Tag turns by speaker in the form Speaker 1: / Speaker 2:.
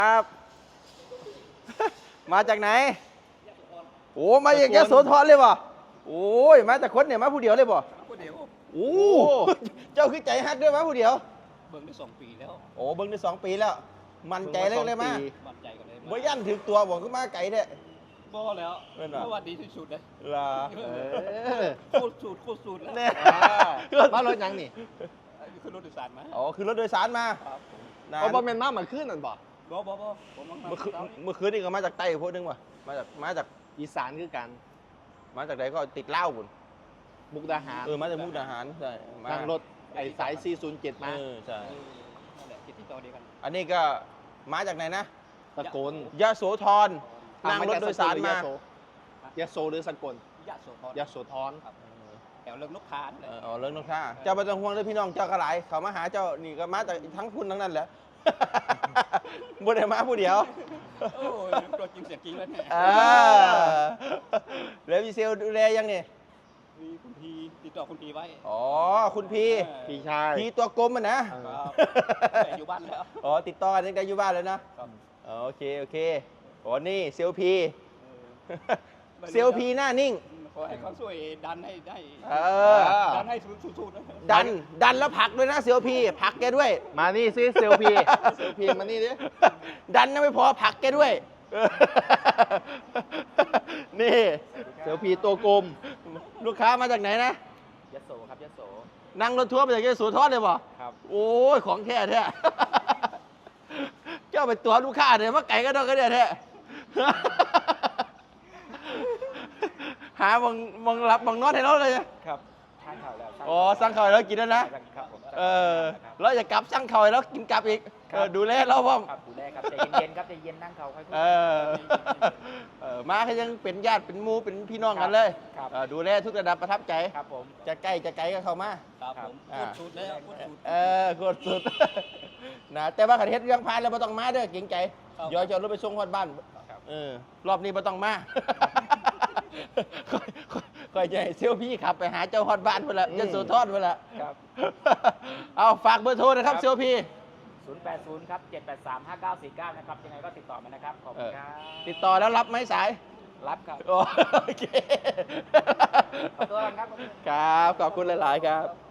Speaker 1: ครับ มาจากไหนโอ้มาจากยโสธรเลยป่ะโอ้ยมาจากคนเนี่ยมาผู้เดียวเลยป่ะ
Speaker 2: ผู้เดียว
Speaker 1: โอ้เจ้าคือใจฮักด้วยมาผู้เดียว
Speaker 2: เบิ่งได้2 ปีแล้ว
Speaker 1: โอ้เบิ่งได้2 ปีแล้ว มันใจเลยมา
Speaker 2: มั่นใจกันเลย
Speaker 1: บ่ยันถึงตัวบอกก็มาไก่เนี่ย
Speaker 2: บ่แล้วเพราะว่าดีที่สุดเลย
Speaker 1: ล่ะ
Speaker 2: โคตรสูตรแล้ว
Speaker 3: มารถยังนี่
Speaker 2: คือรถโดยสารมา
Speaker 1: อ๋อคือรถโดยสารมา
Speaker 3: เอาบอมเมนมาเหมือนขึ้นนั่นบ่
Speaker 2: บ่ผม
Speaker 1: เมื่อคืนนี่ก็มาจากใต้พวกนึงว่ะมาจาก
Speaker 3: อีสานคือกัน
Speaker 1: มาจากไหนก็ติดเหล้าบุญ
Speaker 3: มุกดาหาร
Speaker 1: มาจากมุกดาหารใช่
Speaker 3: ทางรถไอ้สาย407มา
Speaker 1: ใช่
Speaker 2: นั่นแหละติดต่อเดียวกัน
Speaker 1: อันนี้ก็มาจากไหนนะ
Speaker 3: สกล
Speaker 1: ยโสธรนั่งรถโดยสารม
Speaker 3: ยโสหรือสกลยโสธร
Speaker 2: แถวเรื่องนกค้าเลย
Speaker 1: อ๋อเรื่องนกค้าเจ้าไม่ต้องห่วงเลยพี่น้องเจ้ากระไรเขามาหาเจ้านี่ก็มาจากทั้งคุณทั้งนั้นแหละบุญได้มาผู้เดียว
Speaker 2: โอ้ยตัวจริงเสียงจริงแล้วเนี่ย
Speaker 1: แล้วพี่เซลดูแลยังเนี่ย
Speaker 2: มีคุณพีติดต่อคุณพีไว้
Speaker 1: อ๋อคุณพี
Speaker 3: พี่ชาย
Speaker 1: พีตัวกลมมันนะ
Speaker 2: แต่อยู่บ้านแล้ว
Speaker 1: อ๋อติดต่อกันตั้งแต่อยู่บ้านแล้วนะโอเคอ๋อนี่เซลพีเซลพีหน้านิ่ง
Speaker 2: ขอให้เขาช่วยดันให้ได้ดันให้สุด
Speaker 1: ๆดันแล้วผลักด้วยนะเซลพีผลักแกด้วย
Speaker 3: มานี่ซิเซลพีมานี่ดิ
Speaker 1: ดันนะไม่พอผลักแกด้วยนี่
Speaker 3: เซลพีตัวกลม
Speaker 1: ลูกค้ามาจากไหนนะ
Speaker 2: ยโสครับยโส
Speaker 1: นั่งรถทัวร์มาจากยโสธรเลยป่ะ
Speaker 2: ครับ
Speaker 1: โอ้ยของแท้แท้เจ้าไปตัวลูกค้าเนี่ยมาไก่ก็ต้องก็เนี่ยแท้หามองหลับมองนอนให้เราเลย
Speaker 2: ครับสั่งข่าวแล้ว
Speaker 1: อ๋อสั่งข่าวแล้วกินแล้วนะครับเราจะกลับสั่งข่าวแล้วกินกลับอีกดูแลเราบ้าง
Speaker 2: ดูแลครับใจเย็นครับใจเย็นนั่งเขาค่อย
Speaker 1: มาให้ยังเป็นญาติเป็นหมู่เป็นพี่น้องกันเลยดูแลทุกระดับประทับใจ
Speaker 2: ครับผม
Speaker 1: จะใกล้จะไกลก็เข้ามา
Speaker 2: ครับผมกดสุดแล้ว
Speaker 1: กดสุดนะแต่ว่าขันเฮ็ดเรื่องพานแล้วไม่ต้องมาเด้อเก่งใจย้อยจะรถไปส่งคนบ้านรอบนี้ไม่ต้องมาคอยใจเซลพี่ขับไปหาเจ้าฮอดบ้านเพื่อนละจะสู่ทอดเพื่อนละเอาฝากเบอร์โทรนะครับเซลพี่
Speaker 2: 080ครับ7835949นะครับยังไงก็ติดต่อมานะครับขอบคุณครับ
Speaker 1: ติดต่อแล้วรับไหมสาย
Speaker 2: รับครับ
Speaker 1: โอเค
Speaker 2: ขอบคุณครับ
Speaker 1: ครับขอบคุณหลายๆครับ